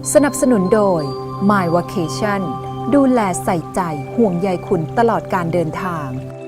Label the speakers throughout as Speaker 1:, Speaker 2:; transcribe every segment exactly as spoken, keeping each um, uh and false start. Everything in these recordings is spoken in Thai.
Speaker 1: สนับสนุนโดย My Vacation ดูแลใส่ใจห่วงใยคุณตลอดการเดินทาง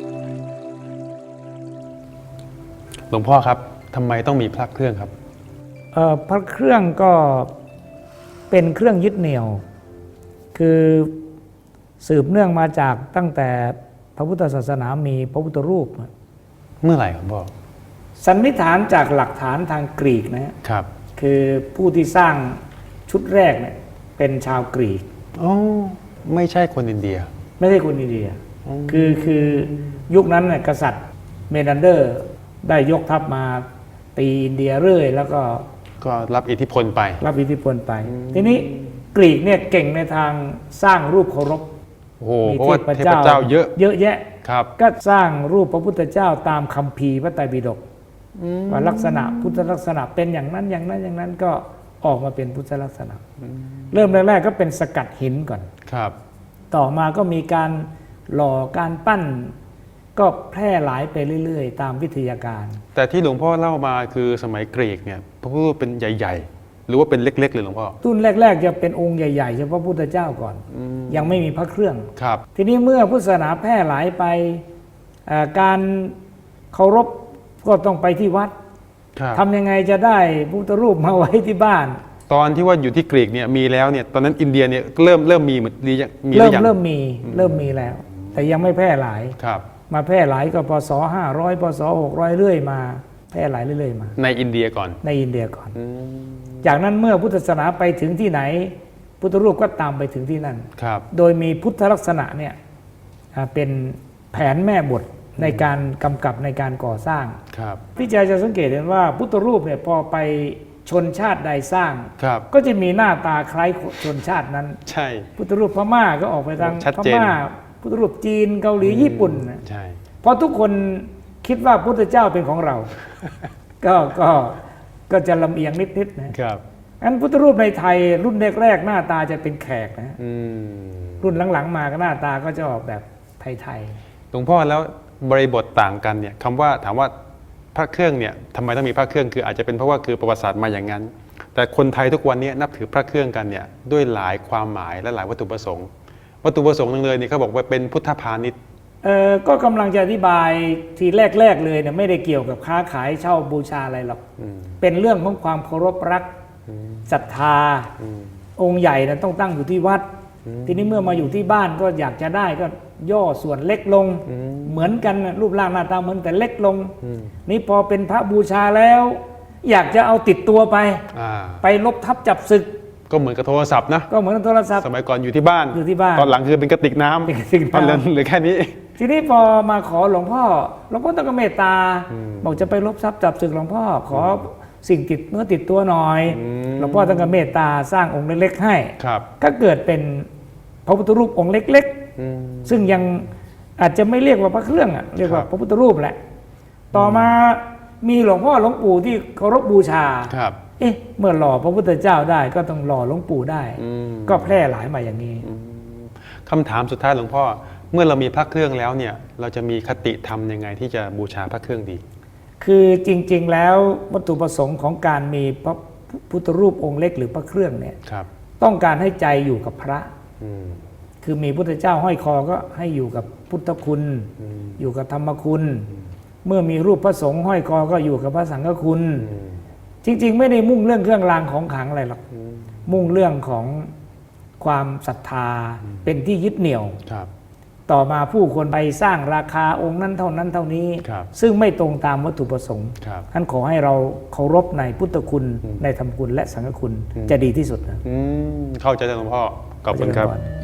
Speaker 2: หลวงพ่อครับทำไมต้องมีพระเครื่องครับ
Speaker 3: เอ่อพระเครื่องก็เป็นเครื่องยึดเหนี่ยวคือสืบเนื่องมาจากตั้งแต่พระพุทธศาสนามีพระพุทธรูป
Speaker 2: เมื่อไหร่ครับพ่อ
Speaker 3: สันนิษฐานจากหลักฐานทางกรีกนะครับคือผู้ที่สร้างชุดแรกเนี่ยเป็นชาวกรีก
Speaker 2: อ๋อไม่ใช่คนอินเดีย
Speaker 3: ไม่ใช่คนอินเดียคือคือยุคนั้นเนี่ยกษัตริย์เมนันเดอร์ได้ยกทัพมาตีอินเดียเรื่อยแล้วก็
Speaker 2: ก็รับอิทธิพลไป
Speaker 3: รับอิทธิพลไปทีนี้กรีกเนี่ยเก่งในทางสร้างรูปเคารพ
Speaker 2: โอ้โหเพราะว่าเทพเจ้าเยอะ
Speaker 3: เยอะแยะ
Speaker 2: ครับ
Speaker 3: ก็สร้างรูปพระพุทธเจ้าตามคัมภีร์พระไตรปิฎกว่าลักษณะพุทธลักษณะเป็นอย่างนั้นอย่างนั้นอย่างนั้นก็ออกมาเป็นพุทธลักษณะเริ่มแรกๆก็เป็นสกัดหินก่อน
Speaker 2: ครับ
Speaker 3: ต่อมาก็มีการหล่อการปั้นก็แพร่หลายไปเรื่อยๆตามวิทยาการ
Speaker 2: แต่ที่หลวงพ่อเล่ามาคือสมัยกรีกเนี่ยพระพุทธรูปเป็นใหญ่ๆหรือว่าเป็นเล็กๆเลยหลวงพ่อ
Speaker 3: รุ่นแรกๆจะเป็นองค์ใหญ่ๆเฉพาะพระพุทธเจ้าก่อนยังไม่มีพระเครื่อง
Speaker 2: ครับ
Speaker 3: ทีนี้เมื่อพุทธศาสนาแพร่หลายไปการเคารพก็ต้องไปที่วัดทำยังไงจะได้พุทธรูปมาไว้ที่บ้าน
Speaker 2: ตอนที่ว่าอยู่ที่กรีกเนี่ยมีแล้วเนี่ยตอนนั้นอินเดียเนี่ยเริ่มเริ่มมีเหมือนมี
Speaker 3: เริ่มเริ่มมีเริ่มมีแล้วแต่ยังไม่แพร่หลาย
Speaker 2: ครับ
Speaker 3: มาแพร่หลายก็พศห้าร้อยพศหกร้อยเรื่อยมาแพร่หลายเรื่อยมา
Speaker 2: ในอินเดียก่อน
Speaker 3: ในอินเดียก่อนจากนั้นเมื่อพุทธศาสนาไปถึงที่ไหนพุทธรูปก็ตามไปถึงที่นั่น
Speaker 2: ครับ
Speaker 3: โดยมีพุทธลักษณะเนี่ยเป็นแผนแม่บทในการกำกับในการก่อสร้าง
Speaker 2: ครับ
Speaker 3: พี่จาจะสังเกตเห็นว่าพุทธรูปเนี่ยพอไปชนชาติใดสร้างก็จะมีหน้าตาคล้ายชนชาตินั้น
Speaker 2: ใช่
Speaker 3: พุทธรูปพม่าก็ออกไปทางพม่าพุทธรูปจีนเกาหลีญี่ปุ่น
Speaker 2: ใช่
Speaker 3: เพราะทุกคนคิดว่าพุทธเจ้าเป็นของเราก็ก็ก็จะลำเอียงนิดๆนะครับอันพุทธรูปในไทยรุ่นแรกๆหน้าตาจะเป็นแขกนะรุ่นหลังๆมาก็หน้าตาก็จะออกแบบไทย
Speaker 2: ๆหลวงพ่อแล้วบริบทต่างกันเนี่ยคำว่าถามว่าพระเครื่องเนี่ยทำไมต้องมีพระเครื่องคืออาจจะเป็นเพราะว่าคือประวัติศาสตร์มาอย่างนั้นแต่คนไทยทุกวันนี้นับถือพระเครื่องกันเนี่ยด้วยหลายความหมายและหลายวัตถุประสงค์วัตถุประสงค์นึงเลยเนี่ยเขาบอกว่าเป็นพุทธพาณิชย์
Speaker 3: เออก็กำลังจะอธิบายทีแรกๆเลยเนี่ยไม่ได้เกี่ยวกับค้าขายเช่าบูชาอะไรหรอกเป็นเรื่องของความเคารพรักศรัทธาองค์ใหญ่นะต้องตั้งอยู่ที่วัดทีนี้เมื่อมาอยู่ที่บ้านก็อยากจะได้ก็ย่อส่วนเล็กลงเหมือนกันรูปร่างหน้าตาเหมือนแต่เล็กลงนี่พอเป็นพระบูชาแล้ว อยากจะเอาติดตัวไปไปลบทับจับศึก
Speaker 2: ก็เหมือนกับโทรศัพท์นะ
Speaker 3: ก็เหมือนกับโทรศัพท์
Speaker 2: สมัยก่อนอยู่ที่บ้าน
Speaker 3: อยู่ที่บ้าน
Speaker 2: ตอนหลังคือเป็นกระติกน้ำตอนนั้นเหลือแค่นี้
Speaker 3: ทีนี้พอมาขอหลวงพ่อหลวงพ่อต้องเมตตาบอกจะไปลบทรัพย์จับศึกหลวงพ่อขอสิ่งติดเนื้อติดตัวหน่อยหลวงพ่อต้องเมตตาสร้างองค์เล็กๆให้ก็เกิดเป็นพระพุทธรูปองค์เล็กๆซึ่งยังอาจจะไม่เรียกว่าพระเครื่องอ่ะเรียกว่าพระพุทธรูปแหละต่อมามีหลวงพ่อหลวงปู่ที่เคารพบูชาเอ๊ะเมื่อหล่อพระพุทธเจ้าได้ก็ต้องหล่อหลวงปู่ได้ก็แพร่หลายมาอย่างนี้
Speaker 2: คำถามสุดท้ายหลวงพ่อเมื่อเรามีพระเครื่องแล้วเนี่ยเราจะมีคติธรรมยังไงที่จะบูชาพระเครื่องดี
Speaker 3: คือจริงๆแล้ววัตถุประสงค์ของการมีพระพุทธรูปองค์เล็กหรือพระเครื่องเนี่ยต้องการให้ใจอยู่กับพระคือมีพุทธเจ้าห้อยคอก็ให้อยู่กับพุทธคุณอยู่กับธรรมคุณเมื่อมีรูปพระสงฆ์ห้อยคอก็อยู่กับพระสังฆคุณจริงๆไม่ได้มุ่งเรื่องเครื่องรางของขลังอะไรหรอกมุ่งเรื่องของความศรัทธาเป็นที่ยึดเหนี่ยวต่อมาผู้คนไปสร้างราคาองค์นั้นเท่านั้นเท่านี้ซึ่งไม่ตรงตามวัตถุประสงค์ท่านขอให้เราเคารพในพุทธคุณในธรรมคุณและสังฆคุณจะดีที่สุดนะ
Speaker 2: เข้าใจหลวงพ่อขอบคุณครับ